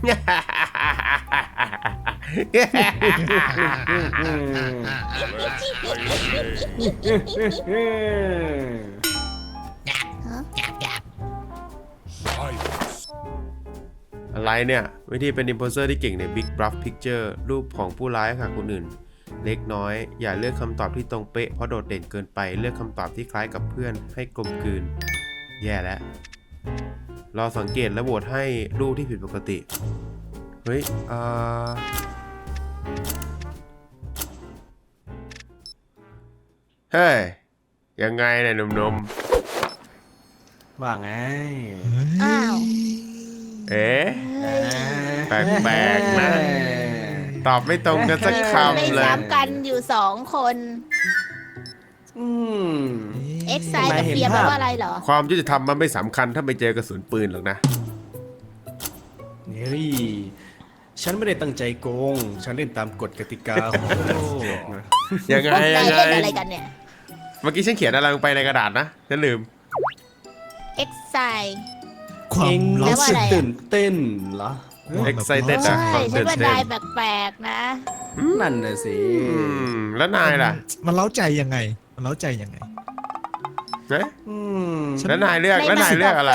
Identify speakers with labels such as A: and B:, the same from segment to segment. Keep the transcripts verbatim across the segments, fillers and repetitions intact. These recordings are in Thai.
A: อะไรเนี่ยวิธีเป็นอิมโพสเซอร์ที่เก่งใน Big Bluff Picture รูปของผู้ร้ายค่ะคนอื่นเล็กน้อยอย่าเลือกคำตอบที่ตรงเป๊ะเพราะโดดเด่นเกินไปเลือกคำตอบที่คล้ายกับเพื่อนให้กลมกลืนแย่แล้วรอสังเกตและโหวตให้รูปที่ผิดปกติเฮ้ยอ่าเฮ้ยยังไงเนี่ยหนุ่มๆ
B: ว่าไง
C: อ้าว
A: เอ๊ะแปลกๆนะตอบไม่ตรงกันสักคำเลย
C: ไม่ซ้ำกันอยู่สองคน
B: อืม
C: เอ็กไซกับเฟียแปลว่าอะไรเหรอ
A: ความยุติธรรมมันไม่สำคัญถ้าไม่เจอกระสุนปืนหรอกนะ
B: เฮ้ยฉันไม่ได้ตั้งใจโกงฉันเล่นตามกฎกติกาของโลกนะ
A: ยังไงยังไง
C: อะไรกันเนี่ย
A: เมื่อกี้ฉันเขียนอะไรลงไปในกระดาษนะฉันลืม
C: เอ็กไซ
B: ความรู้สึกตื่นเต้นเหรอ
A: เอ็กไซเต็ดอะ
C: ใช่ฉันว่านายแปลกๆนะ
B: นั่นน่ะสิ
A: แล้วนายล่ะ
D: มันเล้าใจยังไงมันเล้าใจยังไง
A: เอ๊ะแล้วนายเลือกแล้วนายเลือกอะไร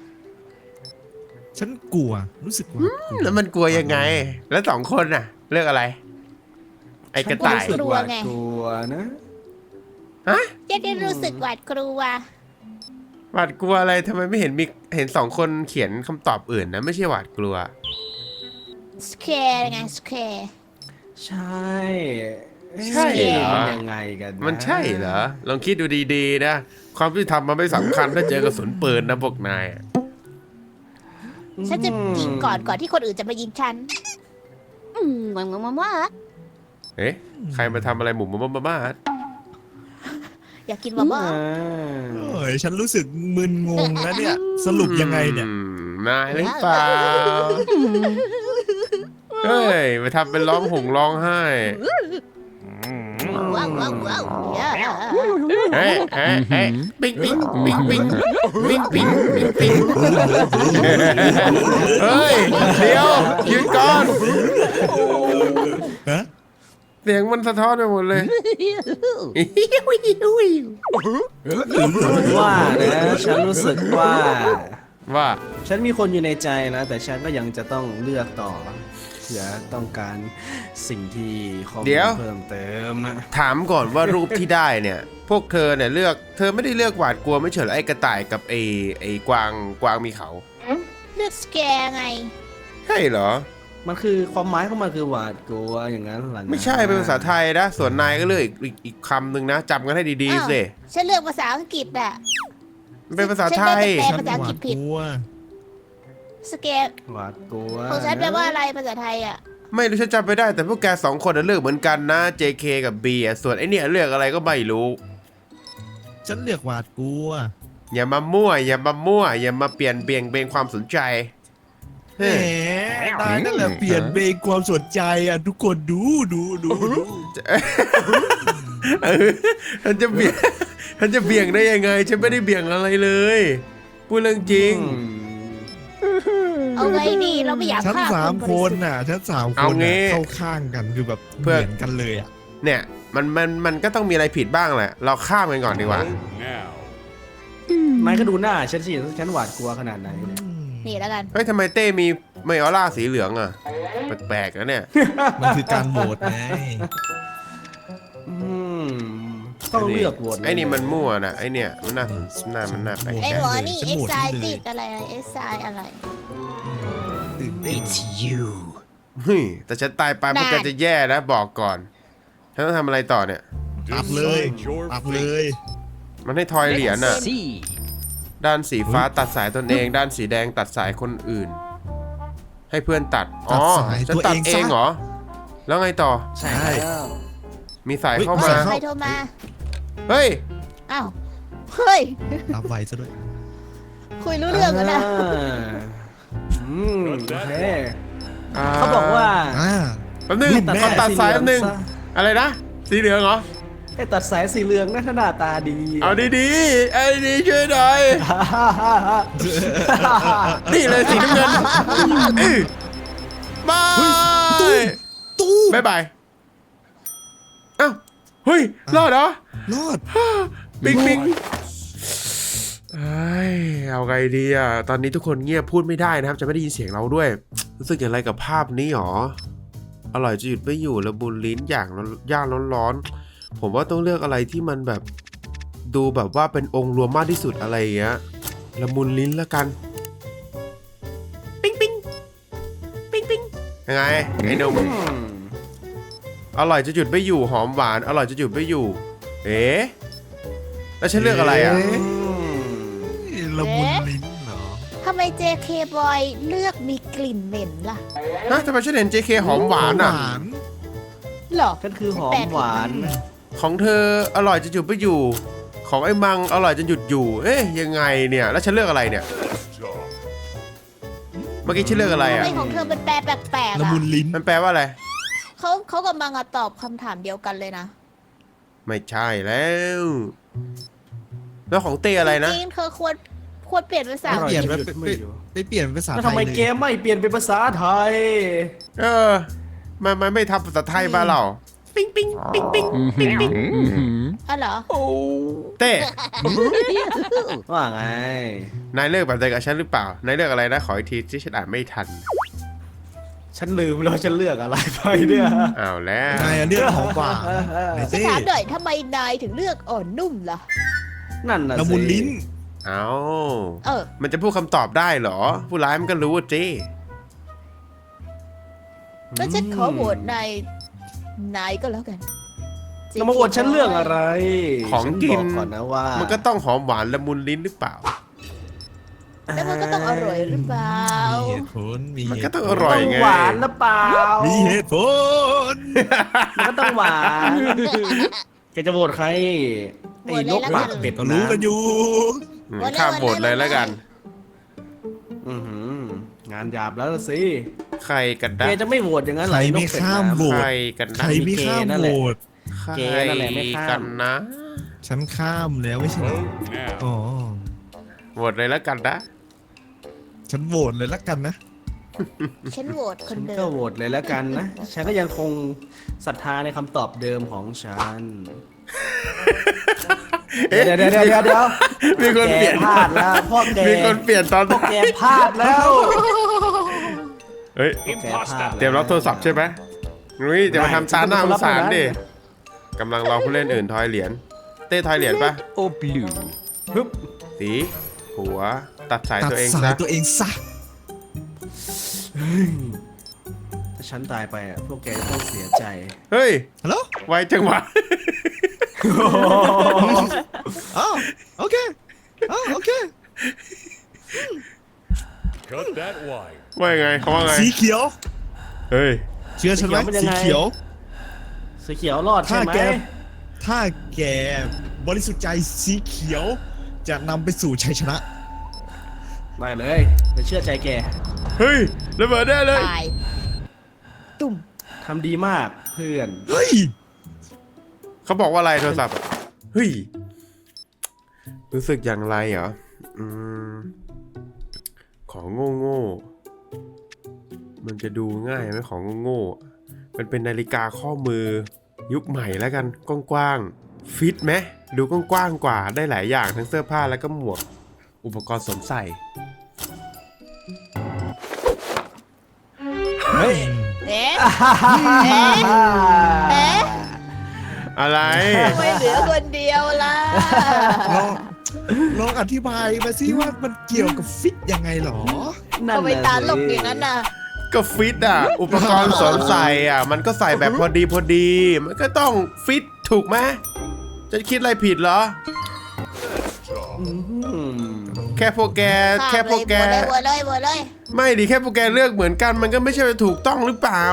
D: ฉันกลัวรู้สึกว่า
A: แล้วมันกลัวยังไงแล้วสองคนน่ะเลือกอะไรไอ้กระต่าย
C: กลัวไง
B: กลัวนะ
A: ฮะ
C: เจ๊ได้รู้สึกหวาดกลัว
A: หวาดกลัวอะไรทำไมไม่เห็นมีเห็นสองคนเขียนคำตอบอื่นนะไม่ใช่หวาดกลัว
C: สแคร์ไงสแคร์
B: ใช่
A: ใช่เหรอ
B: ยังไงกัน
A: มันใช่เหรอลองคิดดูดีๆนะความยุติธรรมมันไม่สำคัญถ้าเจอกระสุนปืนนะพวกนาย
C: ฉันจะยิงก่อนก่อนที่คนอื่นจะมายิงฉันอืมมามามามา
A: เอ๊ะใครมาทำอะไรหมุนมามามา
C: อยากกินมาบ้า
D: โอ้ยฉันรู้สึกมึนงงนะเนี่ยสรุปยังไงเนี่ย
A: นายหรือเปล่าเฮ้ยมาทำเป็นร้องห่มร้องไห้
C: ว้าวว้าวว้าว
A: เฮ้ยเฮ้ยเฮ้ยปิ๊งปิ๊งปิ๊งปิ๊งปิ๊งปิ๊งปิ๊งปิ๊งเฮ้ยเดี๋ยวหยุดก่อนเสียงมันสะท้อนไปหมดเลย
B: ว่านะฉันรู้สึกว่า
A: ว่า
B: ฉันมีคนอยู่ในใจนะแต่ฉันก็ยังจะต้องเลือกต่อเผื่อต้องการสิ่งที่ข้อมูลเพิ่มเติมนะ
A: ถามก่อนว่ารูปที่ได้เนี่ยพวกเธอเนี่ยเลือกเธอไม่ได้เลือกหวาดกลัวไม่เฉยไอ้กระต่ายกับไอ้ไอ้กวางกวางมีเขา
C: เลือกสแกร์ไง
A: ใช่เหรอ
B: มันคือความหมายของมันคือหวาดกลัวอย่างนั้นหรอ
A: ไม่ใช่เป็นภาษาไทยนะส่วนนายก็เลือกอีกอีกคำหนึ่งนะจำกันให้ดีๆสิ
C: ฉันเลือกภาษาอังกฤษอ่ะ
A: เป็นภาษาไทย
C: ฉันภาษาอังกฤษผิดสแกร์
B: หวาดกลัว
C: ของฉันแปลว่าอะไรภาษาไทยอ่ะ
A: ไม่รู้ฉันจำไม่ได้แต่พวกแกสองคนเลือกเหมือนกันนะ เจ เค กับ B อ่ะส่วนไอเนี่ยเลือกอะไรก็ไม่รู้
D: ฉันเลือกหวาดกลัว
A: อย่ามามั่วอย่ามามั่วอย่ามาเปลี่ยนเบี่ยงเบนความสนใจ
D: แหมนายนั่นแหละเปลี่ยนเบนความสนใจอ่ะทุกคนดูดูดูดู
A: ฉันจะเบี่ยงฉันจะเบี่ยงได้ยังไงฉันไม่ได้เบี่ยงอะไรเลยพูดเรื่องจริง
C: เอาไงดีเราไม่อยาก
D: ฉันสามคนน่ะฉันสามคนเข้าข้างกันคือแบบเหมือนกันเลยอ่ะ
A: เนี่ยมันมันมันก็ต้องมีอะไรผิดบ้างแหละเราข้ามกันก่อนดีกว่า
B: ไม่ก็ดูหน้าฉันสิฉันหวาดกลัวขนาดไหน
C: นี่แล้วกัน
A: เฮ้ยทำไมเต้มีไมออร่าสีเหลืองอ่ะแปลกๆนะเนี่ย
D: มันคือการโหวตไง
B: ต้องเลือกโหวต
A: ไอ้นี่มันมั่วนะไอ้เนี่ยมันน่าหน้ามันน่าแปลก
C: ไอ้หมอนี่เอ็กไซติดอะไรเอ็กไซอะไร
D: It's you
A: เฮ้ยแต่ฉันตายไปพวกแกจะแย่นะบอกก่อนฉันต้องทำอะไรต่อเนี่ย
D: อัพเลยอัพเลย
A: มันให้ทอยเหรียญอ่ะด้านสีฟ้าตัดสายตนเองด้านสีแดงตัดสายคนอื่นให้เพื่อนตัดอ๋อฉันตัดเองเหรอแล้วไงต่อ
B: ใช่
A: มีสายเข้ามา
C: ใครโทรมา
A: เฮ้ย
C: อ้าวเฮ้ย
D: รับไวซะด้วย
C: คุยรู้เรื่องกันนะ
B: อืมโอเคเขาบอกว่า
A: แป๊บนึงเขาตัดสายแป๊บนึงอะไรนะสีเหลืองเหรอ
B: ไอ้ตัดสายสีเหลืองนะหน้าตาดี
A: เอาดีๆไอ้ดีช่วยหน่อยนี่เลยสีน้ำเงิน
D: ตู้
A: บ๊ายบายอ้าวเฮ้ยรอดเหรอ
D: รอด
A: ปิ๊งปิ๊งเอ้ยเอาไงดีอ่ะตอนนี้ทุกคนเงียบพูดไม่ได้นะครับจะไม่ได้ยินเสียงเราด้วยรู้สึกอย่างไรกับภาพนี้หรออร่อยจะหยุดไม่อยู่ละมุนลิ้นอย่างย่างร้อนๆผมว่าต้องเลือกอะไรที่มันแบบดูแบบว่าเป็นองค์รวมมากที่สุดอะไรอย่างเงี้ยละมุนลิ้นละกันปิ๊งปิ๊งปิ๊งปิ๊งยังไงไอ้หนุ่มอร่อยจะหยุดไม่อยู่หอมหวานอร่อยจะหยุดไม่อยู่เอ๊ะแล้วฉันเลือกอะไรอ่ะ
D: ละมุนลิ้นเหรอ
C: ทำไม เจ เค Boy เลือกมีกลิ่นเหม็นล่ะ
A: ฮะทำไมฉันเห็น เจ เค หอมหวานอ่ะ
D: หวาน
C: หรอ
B: ฉันคือหอมหวาน
A: ของเธออร่อยจะหยุดไม่อยู่ ของไอ้มังอร่อยจะหยุดอยู่ เอ๊ยยังไงเนี่ย แล้วฉันเลือกอะไรเนี่ย เมื่อกี้ฉันเลือกอะไร
C: ทำ
A: อ่ะ
C: ไมของเธอเป็นแปลแปลกๆ
D: ละ
C: อ่ะ
D: มุนลิ้น
A: มันแปลว่าอะไร
C: เขาเขากำลังอะตอบคำถามเดียวกันเลยนะ
A: ไม่ใช่แล้ว แล้วของเต้อะไรนะ
C: จริงๆเธอควรควรเปลี่ยนภาษา
B: อร่อย
D: เปลี่ยน
B: จะ
D: ไป
B: หยุดไม่อยู่
D: ไปเปลี่ยนภาษา
B: แล้ว
D: ไท
B: ทำ
D: ย
B: ไม
D: เลย
B: เกมไม่เปลี่ยนเป็นภาษาไทย
A: เออมันมันไม่ทำภาษาไทยบ้านเราปิ๊งปิ๊งปิ๊งปิ๊งปิ๊งปิ๊ง
C: อ๋อเหรอ
A: โอ้เต้
B: ว่าไง
A: นายเลือกแบบเดียวกับฉันหรือเปล่า นายเลือกอะไรนะ ขออีกทีที่ฉันอ่านไม่ทัน
B: ฉันลืมแล้วฉันเลือกอะไรไปเนี่ย
A: อ้าวแล้ว
D: นายอะเลือกของหวานไหน
C: จะ
D: เต้
C: ถามหน่อยทำไมนายถึงเลือกอ่อนนุ่มล่ะ
B: นั่นน่ะสิ
D: ละมุนลิ้น
A: เอา
C: เออ
A: มันจะพูดคำตอบได้เหรอ ผู้ร้ายมันก็รู้ว่าเจ้
C: แล้วฉันขอโหวตนายนายก็แล้วกัน
B: แล้วมาอวดฉันเรื่องอะไร
A: ของกิน
B: ฉับอกก่อนนะว่า
A: มันก็ต้องหอมหวานละมุนลิ้นหรือเปล่า
C: แล้วมันก็ต้องอร่อยหรือเปล่า
D: มีเหตุผลมี
A: มัน
D: เห
A: ก็
D: ตุ
A: ต้อง
D: ผ
A: อ
D: ล
A: ร่อย
B: ต้อง
A: ไง
B: หวานหรือเปล่า
D: มีเหตุผล
B: มันก็ต้องหวานแกจะโหวตใครไอ้นกปากเป็ด
D: ก็รู้กันอยู่
A: อืมข้ามบทเลยแล้วกัน
B: อื้อหืองานหยาบแล้วล่ะสิ
A: ใครกัน
B: แก
A: นะ
B: จะไม่โหวตอย่างนั้น
D: ใค
B: เหร
D: ร
B: ออ้น
D: ไม่
B: กเป็ด
D: ข้าม
B: น้ำ
D: โหว
A: ใค
D: ต
A: รกัน
D: ใค
A: นะ
D: รไม่ข้าม
B: นั่น
D: โห
B: แห
D: ว
B: ละ
D: ต
A: ใคร
B: เกนั่นแหละไม่ข้าม
A: กันนะ
D: ฉันข้ามแล้วไม่ใช่เหรออ๋อ
A: บทเลยแล้วกันนะ
D: ฉันโหวตเลยละกันนะ
C: ฉันโหวตค
B: ฉั
C: น
B: น
C: เดิ
B: ก็
C: ม
B: โหวตเลยแล้วกันนะ ฉันก็ยังคงศรัทธาในคำตอบเดิมของฉัน
A: เอ๊ะ
B: เดี๋ยวเดี๋ยวเดี๋ยวเดี๋ยวเดี๋ยว
A: มีคนเปลี่ยน
B: แกพลาดแล้วพ่อแก
A: มีคนเปลี่ยนตอน
B: พ่อแกพลาดแล้ว
A: เฮ้ย
B: พ่อแกพลาดแล้ว
A: เตรียมรับโทรศัพท์ใช่ไหมนุ้ยจะมาทำตาหน้าสงสารดิกำลังรอผู้เล่นอื่นทอยเหรียญ เต้ทอยเหรียญปะ
E: โอ้บลู
B: ฮึบ
A: สีหัว ตัดสาย
D: ตัด
A: ตัวเอง
D: สา
A: ซะ
D: ยตัวเองซะ
B: ถ้าฉันตายไปอ่ะพวกแกจะต้องเสียใจ
A: เฮ้ย
D: ฮัลโหล
A: ไวจังหวะ
D: อ๋อโอเคอ๋อโอเค
E: Cut that wire
A: ว่ายังไงเขาว่าไง
D: สีเขียว
A: เฮ้ย
D: เชื่อฉันไหม
B: สี
D: สี
B: เขี
D: เขี
B: ย
D: ยว ว
B: สีเขียวรอดใช่
D: ถ้า
B: ไหม
D: แก ถ้าแกบริสุทธิ์ใจสีเขียว จะนำไปสู่ชัยชนะ
B: ได้เลยไปเชื่อใจแก
A: เฮ้ยระเบิดได้เลย
C: ตาย ตุ่ม
B: ทำดีมากเพื่อน
D: เฮ้ย
A: เขาบอกว่าอะไรโทรศัพท์อะเฮ้ย รู้สึกอย่างไรเหรอ อืม ของโง่โง่ๆมันจะดูง่ายไหมของโง่โง่ๆมันเป็นนาฬิกาข้อมือ ยุคใหม่แล้วกัน กว้างๆ ฟิตไหม ดูกว้างๆกว่า ได้หลายอย่างทั้งเสื้อผ้าแล้วก็หมวก อุปกรณ์สวมใส่
B: เฮ้ย
C: เอ๊ะ เอ๊ะ เอ๊ะ
A: อะไร
C: ทำไมเหลือคนเดียวล่ะ
D: ลองลองอธิบายมาสิว่ามันเกี่ยวกับฟิตยังไงหรอ
B: นั่น
C: ทำไม
B: น่ะ
C: ตาหลบ
B: สิ
C: อย่างนั้นน่ะ
A: ก็ฟิตอ่ะ อุปกรณ์สวมใส่อ่ะ มันก็ใส่แบบพอดีพอดี มันก็ต้องฟิตถูกไหมจะคิดอะไรผิดเหรอ
B: อืม
A: แค่พวกแก แค่พวกแก
C: โหวตเลยโหวตเลยโหวตเลย
A: ไม่ดิแค่พวกแกเลือกเหมือนกัน มันก็ไม่ใช่ว่าถูกต้องหรือเปล่า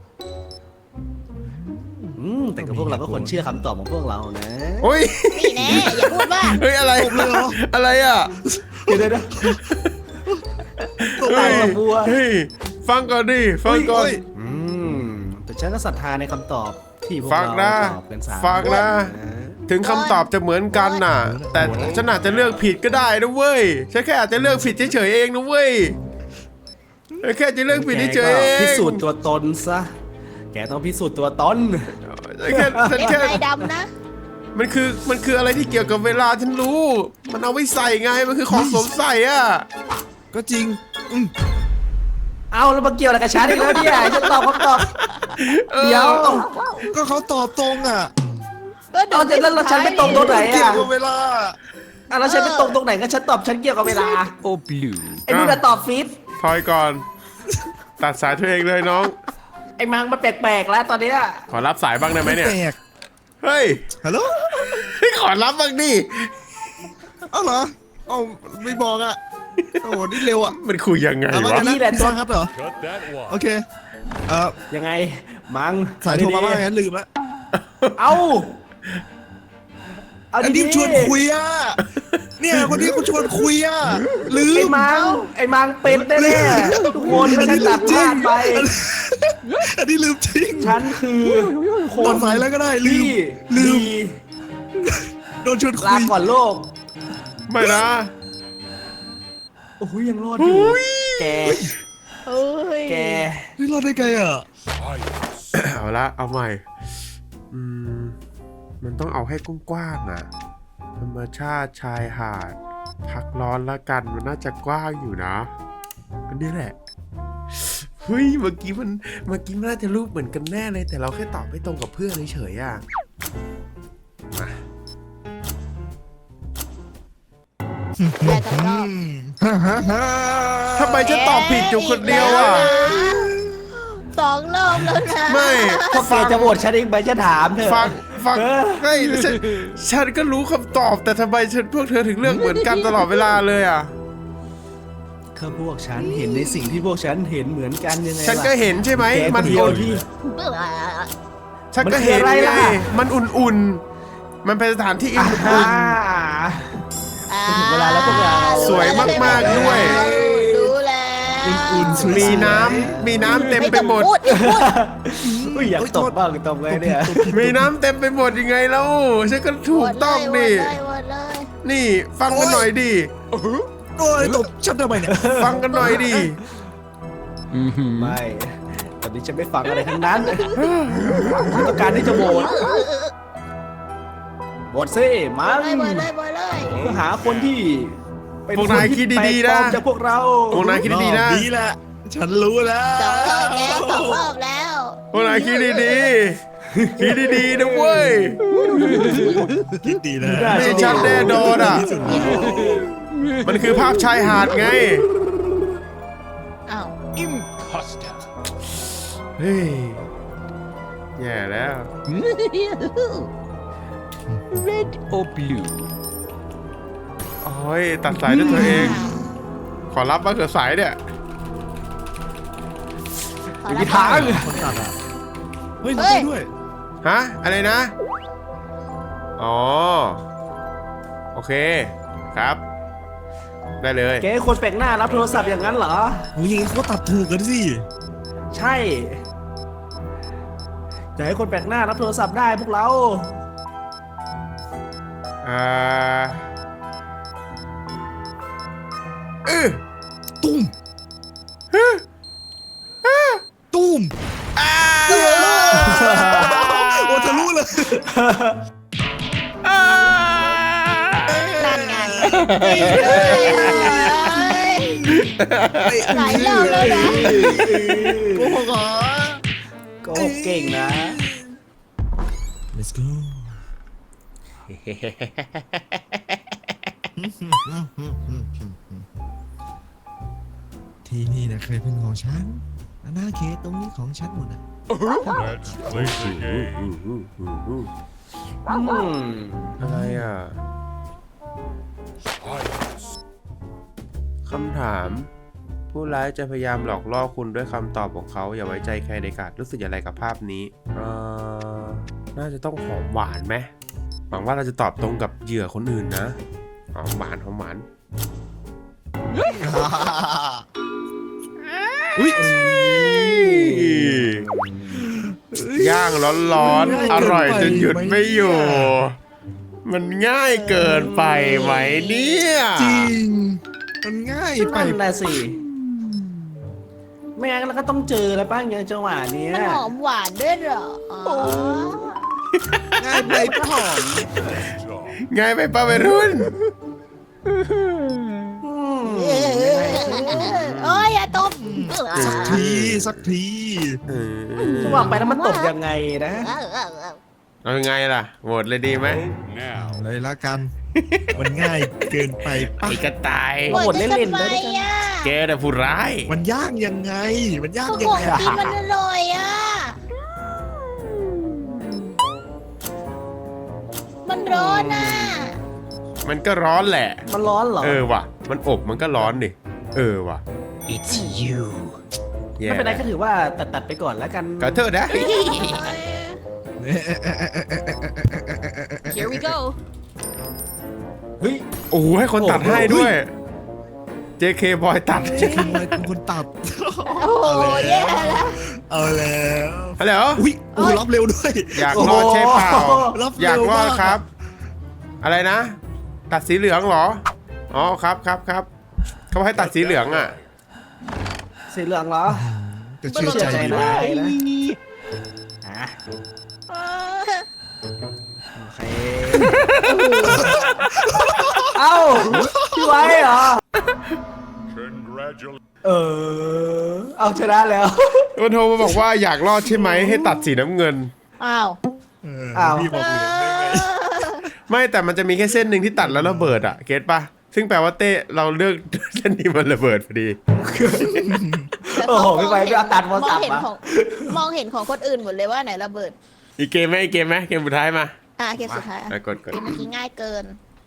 B: อืมแต่กับพวกเราก็ควรเชื่อคำตอบของพวกเรานะ
A: โอ้ย
C: นี่แน่อย่าพูดว่า
A: เฮ้ย อะไร อะไรอ่ะ
B: เดี๋ยวเดี๋ยวเดี๋ยว
A: เฮ้
B: ตาย
A: ย
B: ละบัว
A: เฮ้ย ฟังก่อนดิ ฟังก่อน
B: อืมแต่ฉันก็ศรัทธาในคำตอบที่พวก
A: ฟัง
B: เรา
A: นะ
B: ตอบกันสาม
A: ฟังนะ ถึงคำตอบจะเหมือนกันน่ะ แต่ฉันอาจจะเลือกผิดก็ได้นะเว้ย ฉันแค่อาจจะเลือกผิดเฉยๆเองนะเว้ย แค่จะเลือกผิดเฉยๆเอง
B: พิสูจน์ตัวตนซะแกต้องพิสูจน์ตัวตน
A: ฉันแค่ฉัน
C: เป็น
A: แค่
C: ไฟดำนะ
A: มันคือมันคืออะไรที่เกี่ยวกับเวลาฉันรู้ มันเอาไว้ใส่ไงมันคือของสวมใส่อ่ะ
D: ก็จริงอืม
B: เอาแล้วมาเกี่ยวอะไรกับฉันอีกแล้วเนี่ยจะตอบคำตอบ
A: ออ
B: เดี๋ยว
D: ก็เขาตอบตรงอ่ะ
B: เอาแต่แล้วเราฉันไปตรงตรงไหน
D: เกี่ยว
B: อ่ะ
D: กับเวลา
B: อ่ะแล้วฉันไปตรงตรงไหนก็ฉันตอบฉันเกี่ยวกับเวลา
F: โอ้บลู
B: ไอ้นู่นน่ะตอบฟิต
A: ถอยก่อน ตัดสายตัวเองเลยน้อง
B: ไอ้มังมันแปลกๆแล้วตอนเนี้ย
A: ขอรับสายบ้างได้ไหมเนี่ย
D: แปลก
A: เฮ้ย
D: ฮัลโหล
A: ขอรับบ้างดิ
D: เอ้าเหรอเอ้าไม่บอกอ่ะโอ้โหนี่เร็วอ่ะ
A: มันคุยยังไง
D: เอามาว
A: ะ
D: กันนะพี่ซอนครับเหรอ
E: Cut that
D: โอ
E: wire.
D: เคเอ่อ
B: ยังไงมัง
D: สายโทรมาว่าไงลืมละ
B: เอาเอา
D: อัน
B: ดี
D: นี้ชวนคุยอ่ะเนี่ยคนนี้เขาชวนคุยอ่ะลื
B: ไอ้
D: ม
B: มังไอ้มังเป็นแน่ๆทุกคนไม่ใช่ตัดพลาดไป
D: อันนี้ลืมจริง
B: ฉันคือค
D: ตอน นสายแล้วก็ได้ลื
B: ที่
D: มลืม
B: ดี
D: โดนชวนคุ
B: ลาย ก่อนโลก
A: ไม่นะ
B: โอ้ยยังรอดอยู่ แก
C: เฮ้ย
B: แก
D: นี่รอดได้ไงอ่ะ
A: เอาละเอาใหม่ อืม มันต้องเอาให้กว้างๆอ่ะ ธรรมชาติชายหาด พักร้อนละกันมันน่าจะกว้างอยู่นะอันนี้แหละ เฮ้ย เมื่อกี้มัน เมื่อกี้มันน่าจะรูปเหมือนกันแน่เลย แต่เราแค่ตอบไม่ตรงกับเพื่อนเฉยๆอ่ะ มา
C: แต่ก็รอบ
A: ทำไมฉันตอบผิดอยู่คนเดียวอ่ะ
C: สองรอบแล้วนะ
A: ไม่
B: พอแกจะโหวตฉันเองไหมจะถามเธอ
A: ฟังฟัง
B: เออ
A: เฮ้ยฉันฉันก็รู้คำตอบแต่ทำไมฉันพวกเธอถึงเลือกเหมือนกันตลอดเวลาเลยอ่ะ
B: คือพวกฉันเห็นในสิ่งที่พวกฉันเห็นเหมือนกันยังไง
A: ฉันก็
B: ล่ะ
A: เห็นใช่ไหม
B: แก
A: มัน
B: คนเดียว
A: อุ่น
B: ที่
A: ฉันก็เห็น
B: มันคืออะไร
A: ไง
B: ล่ะ
A: มันอุ่นๆ มันเป็นสถานที่อุ่
B: อ่าน
C: อ่า
B: ถึงเวลาแล้วพวกเรา
A: สวยมากๆด้วย
C: รู้แล้ว
D: อุ่นๆสวย
A: ๆมีน้ำมีน้ำเต็มไปหมด
C: ไต้องพูอย่าพูด
B: อุ้ยอยากตบบ้างตบไงเนี่ย
A: มีน้ำเต็มไปหมดยังไงแล้วฉันก็ถูกต้องดิ
C: โหวตเลยโหวตเลย
A: นี่ฟังกันหน่อยดิ
D: โอ้ยตบฉันทำไมเนี่ย
A: ฟังกันหน่อยดิ
B: ไม่ตอนนี้ฉันไม่ฟังอะไรทั้งนั้นฉันต้องการที่จะโหวตโหวตซิมั
C: โหวต
B: น
C: เลยโหวตเลยโหวตเลย
B: เพื่อหาคนที่เป็น
A: พวกนายคิดดีๆนะ
B: คที่แปลกปลอมจากพวกเรา
A: พวกนายคิดดีๆนะ
D: รอบนี้แหละ ฉันรู้แล้ว
C: สองรอบแล้วสองรอบแล้ว
A: พวกนายคิดดีๆคิดดีๆนะเว้ย
D: คิดดีนะ
A: ไม่ชัดแน่นอนอ่ะ มันคือภาพชายหาดไง
C: อ้าว
F: Imposter
A: เฮ้ย แย่แล้ว
F: Red or blue
A: โอ้ย ตัดสายด้วยตัวเอง ขอรับบ้างเถอะสายเนี่ย
C: ขอ
B: ไม่
C: รับ
B: มีทาง
D: คนตัดอ่ะ เฮ้ย
C: เฮ้
D: ทำ
C: ย
D: ไมด้วย
A: ฮะ อะไรนะ อ๋อ โอเค ครับ ได้เลย
B: แกให้คนแปลกหน้ารับโทรศัพท์อย่างนั้นเหรอ
D: โอ้ยอยังงี้เขาก็ตัดถูกกันสิ
B: ใช่จะให้คนแปลกหน้ารับโทรศัพท์ได้พวกเรา
A: อ่าเออ
D: ตุ้มตุ้มโอ้ทะลุเลย
C: นั่นไงเฮ้ยหลายรอบแล้วนะ
D: โอ้โหเหรอ
B: โก็เก่งนะ
D: let's go ที่นี่นะเคยเป็นของฉันอาณาเขตตรงนี้ของฉันหมดอ่ะ
E: Let's play the game.
B: อืม
A: อะไรอ่ะ คำถาม ผู้ร้ายจะพยายามหลอกล่อคุณด้วยคำตอบของเขา อย่าไว้ใจใครในกาดรู้สึกอย่างไรกับภาพนี้เอ่อน่าจะต้องหอมหวานไหมหวังว่าเราจะตอบตรงกับเหยื่อคนอื่นนะ หอมหวานหอมหวาน
D: อุ้ย
A: ย่างร้อนๆ อร่อยจนหยุดไม่อยู่ มันง่ายเกินไปไหมเนี่ย
D: จริง มันง่ายไป
B: นั่นแหละสิไม่งั้นเราก็ต้องเจอแล้วป้าอย่างจังหวะเนี้ย
C: มันหอมหวานด้วยเหรออ๋อ
D: ง่ายไปหอม
A: ง่ายไปป้าวัยรุ่น
C: เออโอ้ยอย่าตบ
D: สักทีสักที
B: จังหวะไปแล้วมันตกยังไงนะ
C: เออเออเออ
A: เอายังไงล่ะโหวตเลยดีไหม
F: Now.
D: เลยละกัน มันง่ายเกินไปปะ
A: ไอ้กระต่าย
C: โหดจะทำไมอ่ะ
A: แกแต่ะผู้ร้าย
D: มันยากยังไง มันยาก
C: ก็
D: ยั
C: ข
D: ง
C: อง
D: ไง
C: กินมันอร่อยอ่ะ มันร้อนอ่ะ
A: มันก็ร้อนแหละ
B: มันร้อนเหรอ
A: เออว่ะ มันอบมันก็ร้อนดิ เออว่ะ
F: It's you.
A: แย่
B: ไม่เป็นไรก็ถือว่าตัดตัดๆไปก่อนแล้วกัน
A: ขอโทษนะ
C: Here we go
B: เฮ้ย
A: โอ้โหให้คนตัดให้ด้วย เจ เค บอยตัด
D: จะคือมันเป็นคนตัด
C: โอ้โหแย่แล้ว
D: เอาแล้ว
A: ฮัลโหล
D: อุ้ยโอ้รับเร็วด้วย
A: อยากรอดใช่เปล่า
D: รับ
A: อยาก
D: เร็ว
A: รอด
D: มาก
A: ครับ อะไรนะ ตัดสีเหลืองเหรอ อ๋อครับครับครับเขาให้ตัดสีเหลืองอ่ะ
B: สีเหลืองเหรอ
D: จะเชื่อใจ
B: ใจ
D: ไหม
B: นายนะอ่ะโอเค เอ้าพี่ไว้เหรอ
E: Congratulations.
B: เออ เอาชนะแล้ว
A: มันโทรมาบอกว่าอยากรอดใช่ไหมให้ตัดสีน้ำเงิน
C: อ้าว
D: เออ
B: อ้าว
D: พี่บอกเหลืองได้ไง
A: ไม่แต่มันจะมีแค่เส้นหนึ่งที่ตัดแล้วระเบิดอ่ะ เก็ตปะซึ่งแปลว่าเต้เราเลือกเส้นนี้มันระเบิดพอดี
B: โอ้โหพี่ไว้พี่เอาตัดโทร
C: ม
B: ศั
C: อ
B: พ
C: ง
B: ท์
C: เห็น
B: มา
C: ของมองเห็นของคนอื่นหมดเลยว่าไหนระเบิด
A: อีกเกมไหมอีกเกมไหมเกมสุดท้ายมา
C: อ่ะเกมสุดท้ายอ่ะ
A: อ่ะกดกด
C: เกมเมื่อกี้ง่ายเกิน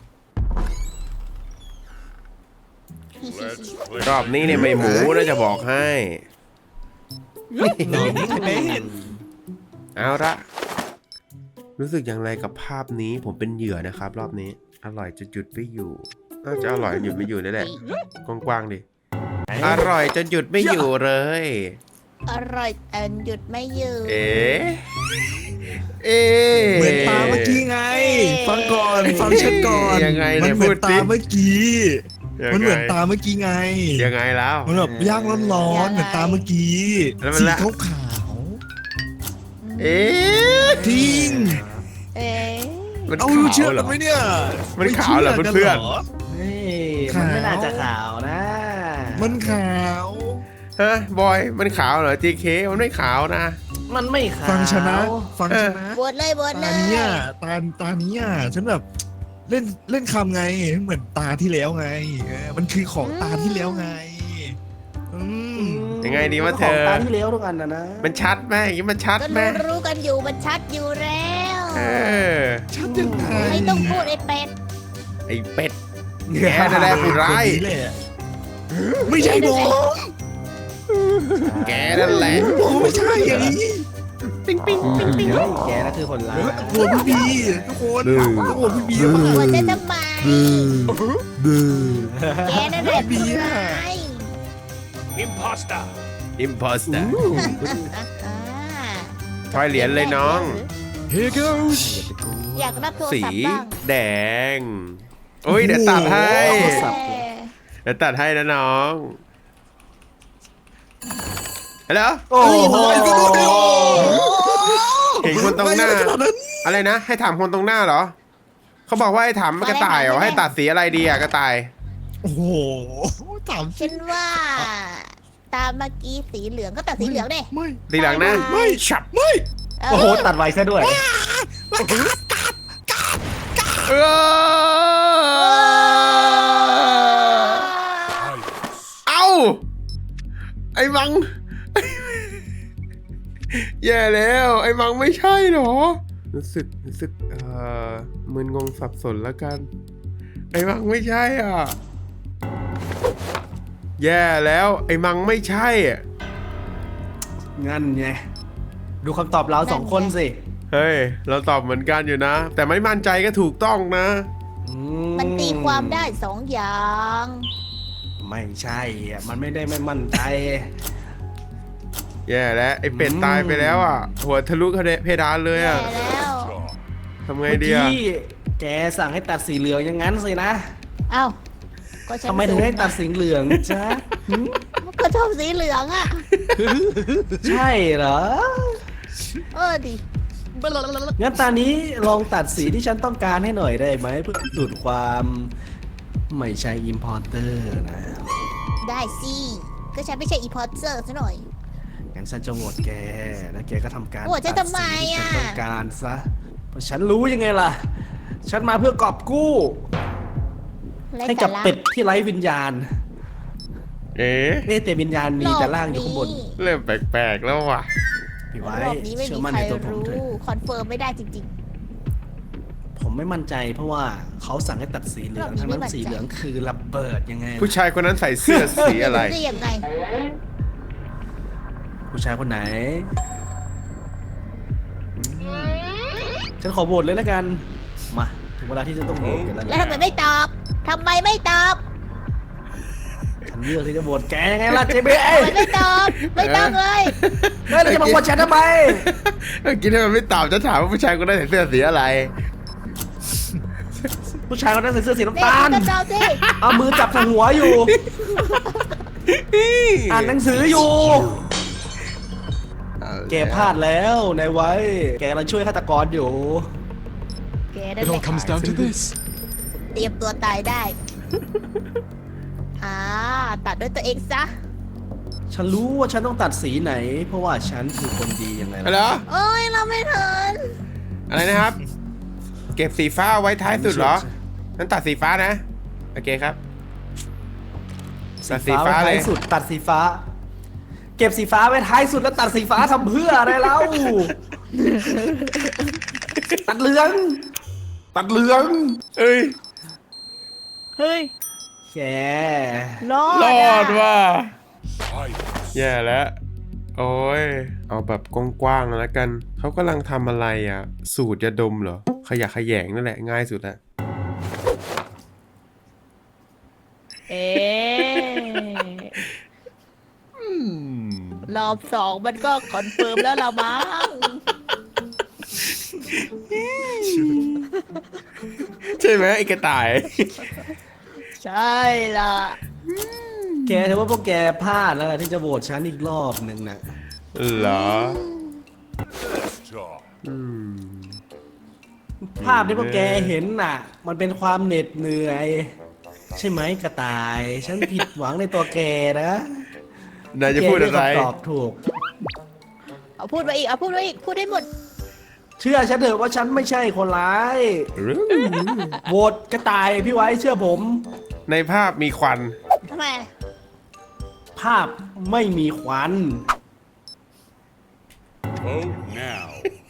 E: Let's play.
A: รอบนี้เนี่ยไม่หมูน่าจะบอกให้
D: หนอนนี่คะแนน
A: เอาละรู้สึกอย่างไรกับภาพนี้ผมเป็นเหยื่อนะครับ รอบนี้ อร่อยจนหยุดไม่อยู่น่าจะอร่อยจนหยุดไม่อยู่นี่แหละกว้างๆดิอร่อยจนหยุดไม่อยู่เลย
C: อร่อยแต่หยุดไม่ยืน
A: เอ๊ะเอ๊ะ
D: เหมือนตาเมื่อกี้ไง ฟังก่อนฟังฉันก่อน
A: ยังไง
D: มั
A: เนี่ย
D: เหมื
A: พู
D: อ
A: ด
D: น
A: สิ
D: ตาเมื่อกี้
A: ยังไง
D: มันเหมือนตาเมื่อกี้ไง
A: ยังไงแล้ว
D: มันแบบย่างร้อนๆเหมือนตาเมื่อกี้
A: แล้วมัน
D: สี
A: ละ
D: ขาวขาว
A: เอ๊ะ
D: ๆจริง
C: เอ๊ะ
A: มัน
D: เอา
A: ขาว
D: เชื่อ
A: เหร
D: กั
A: อน
D: ไหมเนี่ย
A: มันขาวเหรอ
D: ไม่
A: เพื่อนๆ
D: กัหร
B: เฮ้ยมันไม่น่าจะขาวนะ
D: มันขาว
A: ฮะบอยมันขาวเหรอ จี เค มันไม่ขาวนะ
B: มันไม่ขาว
D: ฟังชนะ ฟังชนะ
C: บวชเลยบวชเล
D: ตาย เนี้ยตาตาเนี้ยฉันแบบเล่นเล่นคำไงเหมือนตาที่แล้วไงเออมันคือของตาที่แล้วไงอืม
A: ยังไงดีวะเธ
B: ของ
A: อ
B: ตาที่เลี้ยวทุกอันนะนะ
A: มันชัดไหมอย่างนี้มันชัด
C: ก็
A: ไหม
C: รู้รู้กันอยู่มันชัดอยู่แล้ว
A: เออ
D: ชัดยังไง
C: ไม่ต้องพูดไอ้เป็ด
A: ไอ้เป็ด แกนั่นแหละผู้ร้าย
D: คนนี้แหละไม่ใช่ผม
A: แกนั่นแหละ
D: ผมไม่ใช่อย่างนี้
A: ปิ๊งปิ๊งปิ๊งปิ๊ง
B: เฮ้ยแกนั่นคือคนร้าย
D: กลัวพี่บีทุกคนทุกคนพี่บี
C: บ
D: มาว
C: ช
D: ก
C: จะทำไม
D: บู
C: แกนั่นแหละผู้ร้าย
F: Imposter.
A: อิมพอสเตอร์
C: อ่า
A: ทอยเหรียญเลยน้อง
D: Here goes
C: อยากรับโทร
A: สี
C: ศัพท์บ้าง
A: แดง โอ้ยเดี๋ยวตัดให้
B: โทรศัพท์
A: เดี๋ยวตัดให้นะน้องฮัลโหล
B: โอ้โห
A: เห็นคนตรงหน้า
D: ไม่ใช่ขนาดนั้น
A: อะไรนะ ให้ถามคนตรงหน้าเหรอ เขาบอกว่าให้ถามกระต่ายเหรอ ให้ตัดสีอะไรดีอะกระต่าย
D: โอ้โหถาม
C: ฉันว่า ตามเมื่อกี้สีเหลืองก็ตัดสีเหลืองดิ
D: ไม่
A: สีเหลืองนะ
C: ไม่
A: ฉับ
C: เ
B: โอ้โหตัดไวซะด้วย
A: เออเอ้า ไอ้มัง แย่แล้ว ไอ้มังไม่ใช่เหรอ รู้สึกรู้สึกเอ่อมึนงงสับสนแล้วกัน ไอ้มังไม่ใช่อ่ะ แย่แล้ว ไอ้มังไม่ใช่อ่ะ
B: งั้นไง ดูคำตอบเราสองคนสิ
A: เฮ้ย เราตอบเหมือนกันอยู่นะ แต่ไม่มั่นใจก็ถูกต้องนะ
B: อื
C: มันตีความได้สองอย่าง
B: ไม่ใช่อ่ะ มันไม่ได้ไม่มั่นใจ
A: แย่แล้ว ไอ้เป็ด
B: อืม
A: ตายไปแล้วอ่ะ หัวทะลุเพดานเลย
C: แย่
A: อ่ะ
C: แล้ว
A: ทำไง
B: เมื่อ
A: ดีอ่ะ
B: กี้แกสั่งให้ตัดสีเหลืองอย่างนั้นสินะ
C: เอ้าก็ฉัน
B: ทำไมถึงให้ตัดสีเหลืองจ๊ะ
C: ก็เขาชอบสีเหลืองอ่ะ
B: ใช่เหรอ
C: เออดิ
B: งั้นตอนนี้ลองตัดสีที่ฉันต้องการให้หน่อยได้ไหมเพื่อสุดความไม่ใช่อิมพอร์เตอร์นะ
C: ได้สิก็ฉันไม่ใช่อีพอร์เตอร์ซะหน่อย
B: งั้นฉันจะโหวตแกแล้วแกก็ทำการ
C: โหวตฉันทำไมอะ
B: ตัดสีที่ฉันต้องการซะเพราะฉันรู้ยังไงล่ะ ฉันมาเพื่อกอบกู้ ให้กับเป็ดที่ไร้วิญญาณ
A: เอ๊ะ
B: เอ๊ะแต่วิญญาณมีแต่ร่างอยู่ข้างบน
A: เริ่มแปลกๆแล้วว่ะ
B: พี่ไว้
C: รอบนี้ไม่
B: เชื่
C: มี
B: อมั่น
C: ใคร
B: ในตัวผม
C: รู้
B: เถอะ
C: คอนเฟิร์มไม่ได้จริง
B: ผมไม่มั่นใจเพราะว่าเขาสั่งให้ตัดสีเหลือง
C: รอบนี้
B: ทั้งนั้น
C: ไม่มั่นใจ
B: สีเหลืองคือระเบิดยังไงล่ะ
A: ผู้ชายคนนั้นใส่เสื้อสี
C: ๆ
A: อะไร
C: ได้ยังไง
B: ผู้ชายคนไหน ฉันขอโหวตเลยแล้วกัน มา ถึงเวลาที่จะต้องโหวตกันแล้ว
C: แล้วทำไมไม่ตอบทำไมไม่ตอบ
B: ฉันเลือกที่จะโหวตแกยังไงล่ะเจเบ
C: ทำไมไม่ตอบ ไม่ต้องเลย
B: เฮ้ยเราจะมาโหวตฉันทำไม
A: เมื่อกี้ถ้ามันไม่ตอบจะถามว่าผู้ชายคนนั้นใส่เสื้อสีอะไร
B: ผู้ชายคนนั้นใส่เสื้อสีน้ำ
C: นี่
B: ตาล
C: ก็ตอบสิ
B: เอามือจับทางหัวอยู่ อ่านหนังสืออยู่ แกพลาดแล้วนายไว้ แกกำลังช่วยฆาตกรอยู่
C: แกนั่น
E: It
C: แห
E: all
C: ละ
E: comes down to this.
C: เตรียมตัวตายได้ อ่า ตัดด้วยตัวเองซะ
B: ฉันรู้ว่าฉันต้องตัดสีไหน เพราะว่าฉันคือคนดียังไง
A: ฮัลโหล
B: ล่ะ
C: โอ้ยเราไม่ทัน
A: อะไรนะครับ เก็บสีฟ้าเอาไว้ท้ายสุดเหรอนั้นตัดสีฟ้านะ โอเคครับ ตัดสีฟ้า
B: ไว้
A: เล
B: ท้าย ยสุดตัดสีฟ้า เก็บสีฟ้าไว้ท้ายสุดแล้วตัดสีฟ้าทำเพื่ออะไรเล่า ตัดเหลือง ตัดเหลือง
A: เอ้ย
C: เฮ้ย
B: แก
C: รอด
A: รอด
C: อะ
A: ว่ะ
E: Fight.
A: แย่แล้ว โอ้ย เอาแบบกว้างๆแล้วกัน เขากำลังทำอะไรอ่ะ สูตรยาดมเหรอ ขยะแขยงนั่นแหละง่ายสุดละ
C: เอ๊ะรอบสองมันก็คอนเฟิร์มแล้วละมั้ง
A: ใช่ไหมไอ้กระต่าย
C: ใช่ล่ะ
B: แกถือว่าพวกแกพลาดแล้วล่ะที่จะโหวตฉันอีกรอบหนึ่งนะ
A: เหรอ
E: Talk.
A: อืม
B: ภาพที่พวกแกเห็นน่ะ มันเป็นความเหน็ดเหนื่อย ใช่ไหมกระต่าย ฉันผิดหวังในตัวแกนะ
A: นายจะพูดอะไร
B: แกเลือกคำตอบถูก
C: เอาพูดมาอีก เอาพูดมาอีก พูดได้หมด
B: เชื่อฉันเถอะว่าฉันไม่ใช่คนร้ายโหวตกระต่ายพี่ไว้เชื่อผม
A: ในภาพมีควัน
C: ทำไม
B: ภาพไม่มีควัน
E: Vote now.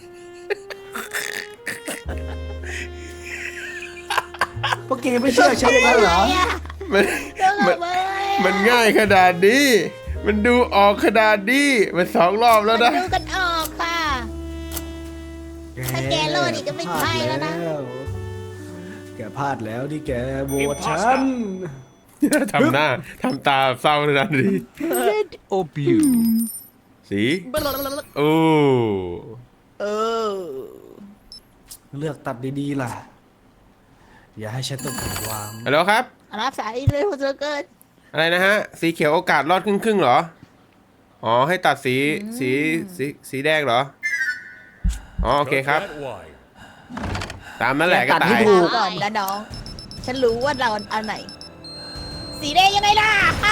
B: พวกแกไม่เชื่อฉันอย่างนั้นเหรอ
A: มัน
C: เรื่อง
A: มัน
C: อะไรอะ
A: มันง่ายขนาดนี้ มันดูออกขนาดนี้มันสองรอบแล้วนะ
C: มันดูกันออกค่ะ ถ้าแกโลดอีกก็ไม่ใช่แล้วนะ
B: แกพลาดแล้วที่แกโหวตฉัน
A: ทำหน้าทำตาเศร้าขนาดนี้
E: Red or blue?
A: สีโอ้
C: เออ
B: เลือกตัดดีๆล่ะ อย่าให้ฉันต้องผิดหวัง
A: ฮัลโหลครับ
C: รับสายเลยหัวเสือเกิน
A: อะไรนะฮะ สีเขียวโอกาสรอดครึ่งครึ่งๆเหรอ อ๋อ ให้ตัดสีสีสีสีแดงเหรอ อ๋อ โอเคครับ
E: Cut that wire.
A: ตามนั่นแหละก็
B: ตัด
A: ตา
B: ให้
A: ย
B: ถู
C: ก่อนนะน้อง ฉันรู้ว่าเราอันไหน สีแดงยังไงล่ะ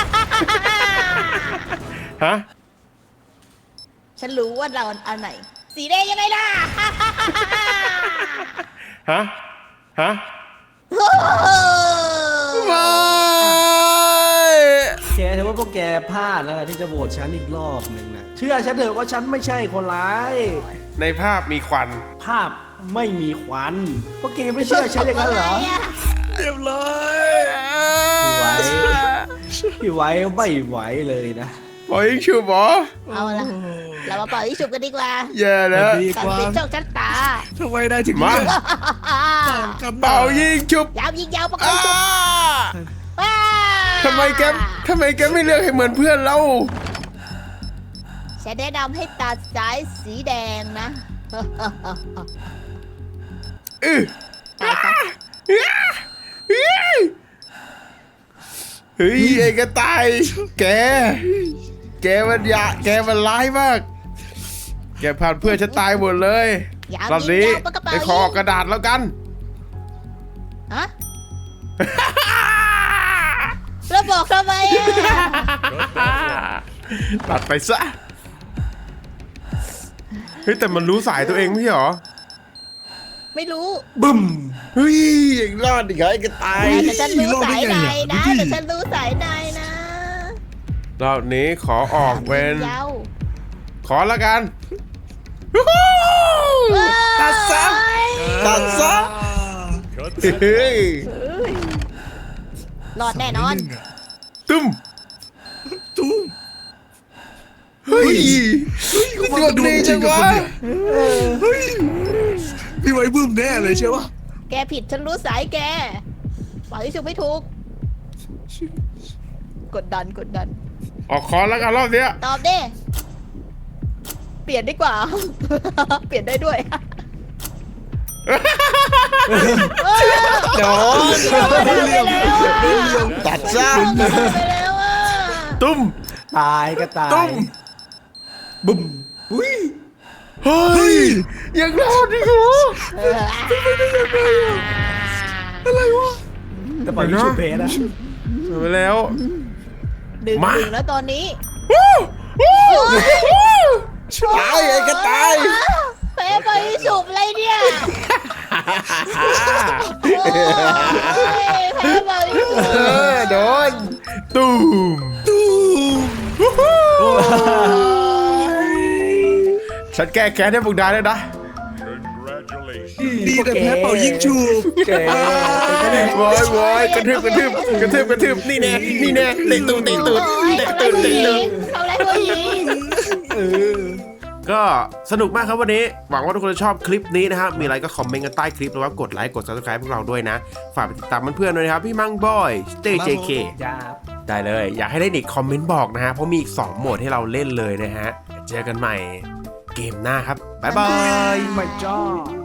A: ฮะ
C: ฉันรู้ว่าเราอันไหน สีแดงยังไงล่ะ
A: ฮะ ฮะ
C: โอ้โห
A: ไม่
B: แกถือว่าพวกแกพลาดแล้วล่ะที่จะโหวตฉันอีกรอบหนึ่งนะเชื่อฉันเถอะว่าฉันไม่ใช่คนร้าย
A: ในภาพมีควัน
B: ภาพไม่มีควัน พวกแกไม่เชื่อฉันอย่างนั้นเหรอ
A: เรียบร้อย
B: พี่ไว้ พี่ไว้ไม่ไหวเลยนะ
A: บอยยิงชูบอ
C: เอาละเรามาเป่าที่ฉุบกันดีกว่า
A: แย่แล้ว
D: ดี
C: ตัด
D: กว่า
C: สินโชคชะตา
D: ทำไมได้ถึง
A: มา
D: เลือกกัน
A: เป่ายิงชุบ
C: ยาวยิงยาวประก
A: อ้า
C: บฉุบว้า
A: ทำไมแกทำไมแกไม่เลือกให้เหมือนเพื่อนเรา
C: ฉันแนะนำให้ตัดสายสีแดงนะ
A: อือ
C: ตายซะ
A: อื้ออื้อเฮ้ยไอ้กระต่าย แก แกมันยะแกมันร้ายมาก แกผ่านเพื่อนฉันตายหมดเลย
C: ยาว
A: รอบนี้
C: ยาวปากกระเป๋า
A: ไปขอออกกระดาษแล้วกัน
C: ฮะแล้วบอกทำไมอ่ะ
A: ตัดไปซะ เฮ้ยแต่มันรู้สายตัวเองไม่ใช่เหรอ
C: ไม่รู้
B: บึ้ม
A: เฮ้ยยังรอดอีกเหรอไอ้กระต่าย
C: แต่ฉันรู้สายในนะ
D: รอดได้ไงอ่ะ
C: แต่ฉันรู้สายในนะ
A: รอบนี้ขอออกเป็น
C: ยาว
A: ขอแล้วกัน
C: ตัดซะ
A: ตัดซะ
E: Cut
A: เฮ้ย
C: รอดแน่นอน
A: ตุ้ม
D: ตุ้ม
A: เฮ้ย
D: กูมา
A: ดวงดีจังวะ
D: เฮ้ยพี่ไว้บึ้มแน่เลยใช่ปะ
C: แกผิดฉันรู้สายแกปล่อยที่ถูกไม่ถูก กดดันกดดัน
A: ออกคอนแล้วกันรอบเนี้ย
C: ตอบดิเปลี่ยนดีกว่า เปลี่ยนได้ด้วย
A: โดน
C: เรียม
A: ตัดซะ
C: ไปแล้วอ่ะ
A: ตุ้ม
B: ตายกระต่า
A: ตุ้
B: ย
A: ม
B: บึ้มอุ้ย
A: เฮ้ย ยังรอดอีกเหรอ
B: แต่ปล่อยวิชูเพสอะ
A: ไปแล้ว
C: ดึง
A: มา
C: ดึงแล้วตอนนี้
A: ตายไอ้กระต่าย
C: เป๊ะไปสุบอะไรเนี่ยโอ้ยแพ้ไปสุบ
A: เออโดนตุ้ม
D: ตุ้ม
A: ฉันแก้แค้นให้พวกนายแล้วนะ
E: Congratulations.
D: ดีแต่แพ้เป่ายิงชูบ
B: แกเป็นก็ได้
A: โว้ยโว้ยกระทืบกระทืบกระทืบกระทืบนี่แน่นี่แน่เตะตูดเตะตูด
C: โอ้ย
A: เตะ
C: ทำอะไร
A: ตูด
C: ผู้
A: เตะ
C: ห
A: ตู
C: ญิ
A: ด
C: งทำอะไรผู้หญิง
A: ก็สนุกมากครับวันนี้หวังว่าทุกคนจะชอบคลิปนี้นะครับมีอะไรก็คอมเมนต์กันใต้คลิปแล้วก็กดไลค์กด ซับสไครบ์ พวกเราด้วยนะฝากไปติดตามเพื่อนๆด้วยนะครับพี่มังบอยสเตย์เจเค
B: ยาบ
A: ได้เลย อยากให้เล่นอีกคอมเมนต์บอกนะฮะเพราะมีอีกสองโหมดให้เราเล่นเลยนะฮะเจอกันใหม่เกมหน้าครับบ๊ายบาย
B: ไม่จอ